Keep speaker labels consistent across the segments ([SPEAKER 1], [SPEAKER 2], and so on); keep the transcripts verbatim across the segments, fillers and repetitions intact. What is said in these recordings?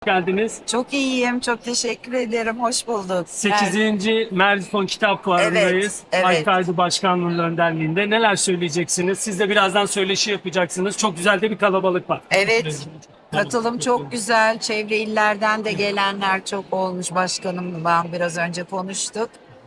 [SPEAKER 1] Geldiniz.
[SPEAKER 2] Çok iyiyim, çok teşekkür ederim. Hoş bulduk.
[SPEAKER 1] sekizinci Merzifon Kitap Fuarı'ndayız.
[SPEAKER 2] Evet, evet.
[SPEAKER 1] Haykaydı Başkanlığı'nın önderliğinde. Neler söyleyeceksiniz? Siz de birazdan söyleşi yapacaksınız. Çok güzel de bir kalabalık var.
[SPEAKER 2] Evet, katılım çok güzel. Çevre illerden de gelenler çok olmuş. Başkanımla biraz önce konuştuk.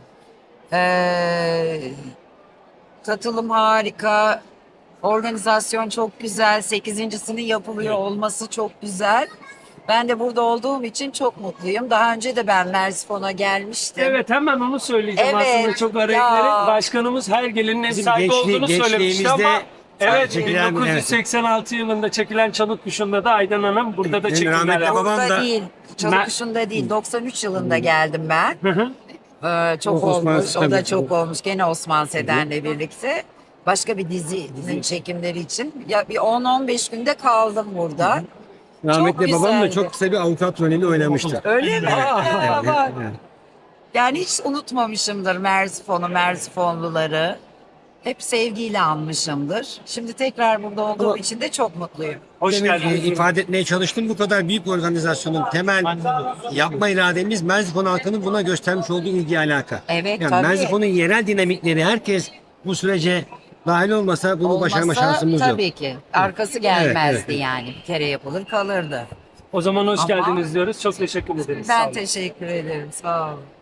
[SPEAKER 2] Ee, katılım harika. Organizasyon çok güzel. Sekizincisinin yapılıyor olması çok güzel. Ben de burada olduğum için çok mutluyum. Daha önce de ben Merzifon'a gelmiştim.
[SPEAKER 1] Evet, hemen onu söyleyeceğim
[SPEAKER 2] Evet,
[SPEAKER 1] aslında çok araya
[SPEAKER 2] ya.
[SPEAKER 1] girerek. Başkanımız her gelinin ev
[SPEAKER 3] Bizim
[SPEAKER 1] sahibi
[SPEAKER 3] gençliği-
[SPEAKER 1] olduğunu söylemişti
[SPEAKER 3] gençliğimizde
[SPEAKER 1] ama evet,
[SPEAKER 3] çekilen-
[SPEAKER 1] bin dokuz yüz seksen altı yılında çekilen Çalık Kuşu'nda da Aydan Hanım burada da
[SPEAKER 3] Benim
[SPEAKER 1] çekimler
[SPEAKER 3] rahmetli
[SPEAKER 1] yaptı.
[SPEAKER 3] babam
[SPEAKER 2] Burada
[SPEAKER 3] da-
[SPEAKER 2] değil,
[SPEAKER 1] Mer-
[SPEAKER 2] Çalıkuşu'nda değil. doksan üç yılında geldim ben.
[SPEAKER 1] Hı hı.
[SPEAKER 2] Ee, çok
[SPEAKER 3] O Osman
[SPEAKER 2] olmuş, o da
[SPEAKER 3] tabii.
[SPEAKER 2] çok olmuş. Gene Osman Seden'le birlikte. Başka bir dizinin çekimleri için. Ya bir on on beş günde kaldım burada.
[SPEAKER 3] Rahmetli babam da
[SPEAKER 2] güzeldi.
[SPEAKER 3] çok kısa bir avukat rolünü oynamıştı.
[SPEAKER 2] Öyle mi? Aa,
[SPEAKER 3] Evet,
[SPEAKER 2] bak.
[SPEAKER 3] evet.
[SPEAKER 2] Yani hiç unutmamışımdır Merzifon'u, Merzifonluları. Hep sevgiyle anmışımdır. Şimdi tekrar burada olduğum
[SPEAKER 3] Ama-
[SPEAKER 2] için de çok mutluyum.
[SPEAKER 1] Hoş
[SPEAKER 3] Demin, e,
[SPEAKER 1] geldiniz.
[SPEAKER 3] ifade etmeye çalıştım. Bu kadar büyük bir organizasyonun temel yapma irademiz Merzifon halkının buna göstermiş olduğu ilgi alaka.
[SPEAKER 2] Evet,
[SPEAKER 3] yani
[SPEAKER 2] tabii.
[SPEAKER 3] Merzifon'un yerel dinamikleri herkes bu sürece dahil olmasa bunu başarma
[SPEAKER 2] Olmasa
[SPEAKER 3] şansımız yok.
[SPEAKER 2] tabii ki. Arkası gelmezdi
[SPEAKER 3] Evet, evet.
[SPEAKER 2] yani. Bir kere yapılır kalırdı.
[SPEAKER 1] O zaman hoş
[SPEAKER 2] Ama-
[SPEAKER 1] geldiniz diyoruz. Çok teşekkür ederiz. Sağ
[SPEAKER 2] Ben
[SPEAKER 1] olun.
[SPEAKER 2] teşekkür ederim. Sağ olun.